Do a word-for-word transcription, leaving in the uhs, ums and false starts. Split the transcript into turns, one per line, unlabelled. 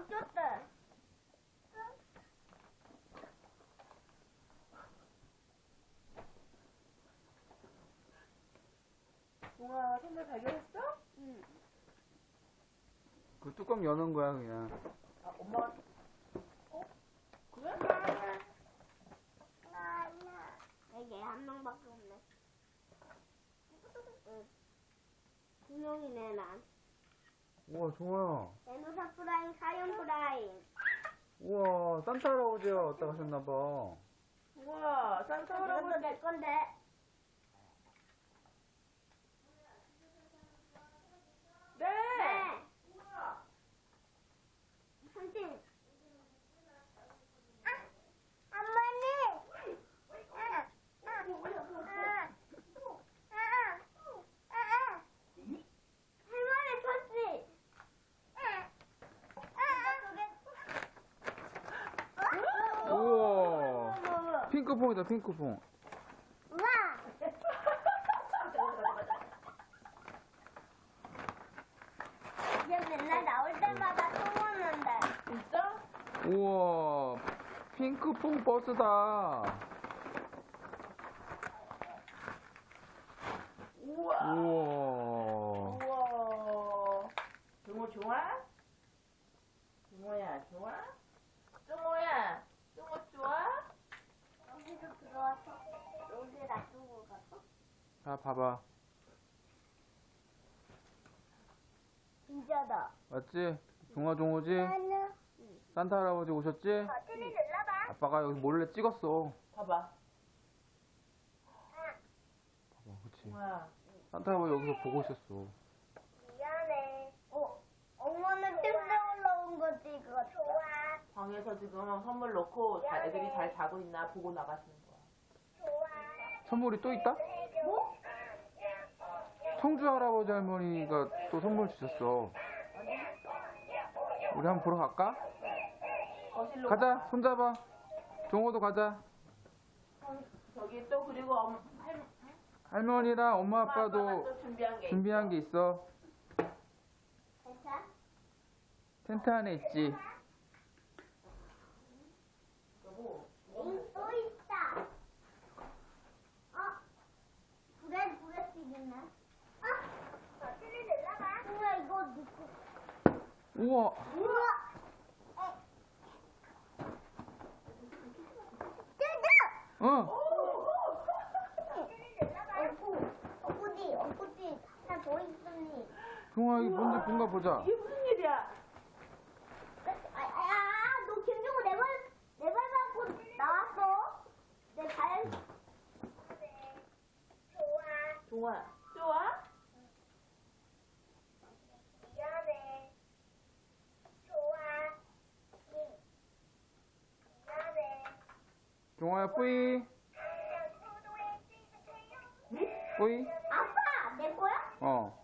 바뀌었대.
동아 선물 발견했어?
응.
그 뚜껑 여는 거야 그냥.
아 엄마가 어? 그래?
여기 한 명밖에 없네. 응. 두 명이네 난.
우와 종아야.
에노사 프라임, 사연 프라임.
우와 산타 할아버지가 왔다 가셨나봐.
우와 산타
이것도
할아버지.
내 건데.
네.
네. 삼촌. 아, 어머니. 아, 아, 아, 아, 아. 할머니 쳤지.
우와 핑크퐁이다 핑크퐁.
우와. 얘 맨날 나올 때마다 소문난다.
진짜?
우와 핑크퐁 버스다.
우와.
우와
우와. 종호 좋아? 종호야 좋아? 종호야. 종호 좋아?
여기도 들어와서 여기 놔두고 가서
자 봐봐.
진짜다.
맞지? 종아 종호지?
나는
산타 할아버지 오셨지?
버튼을 눌러봐.
아빠가 여기 몰래 찍었어.
봐봐.
봐봐 그치.
종호야.
산타 할아버지 여기서 보고 있었어.
미안해. 어, 엄마는 침대 올라온 거지 이거. 좋아.
방에서 지금 선물 넣고 자, 애들이 잘 자고 있나 보고 나가시는 거야.
좋아.
선물이 또 있다?
뭐?
성주 할아버지 할머니가 또 선물 주셨어. 우리 한번 보러 갈까?
거실로
가자
가봐.
손잡아. 종호도 가자.
저기 또 그리고 엄, 할,
할머니랑 엄마
엄마 아빠가
아빠도
또 준비한 게
준비한 게 있어.
괜찮아?
텐트 안에 있지.
있고.
응, 또 있다. 어? 불에 불에 튀기네. 어? 버튼을 눌러봐. 우와 이거 누구?
우와
우와. 어. 뜯어.
어
어구, 어구지, 어구지. 하나 더 있으니.
종아 이게 뭔지 뭔가 보자.
이게 무슨 일이야?
아, 아, 너 김종우 내발 내발 받고 나왔어. 내 발. 좋아.
종아. 좋아?
미안해. 좋아. 미안해.
종아야 뿌이 뿌이.
아빠, 내 거야?
어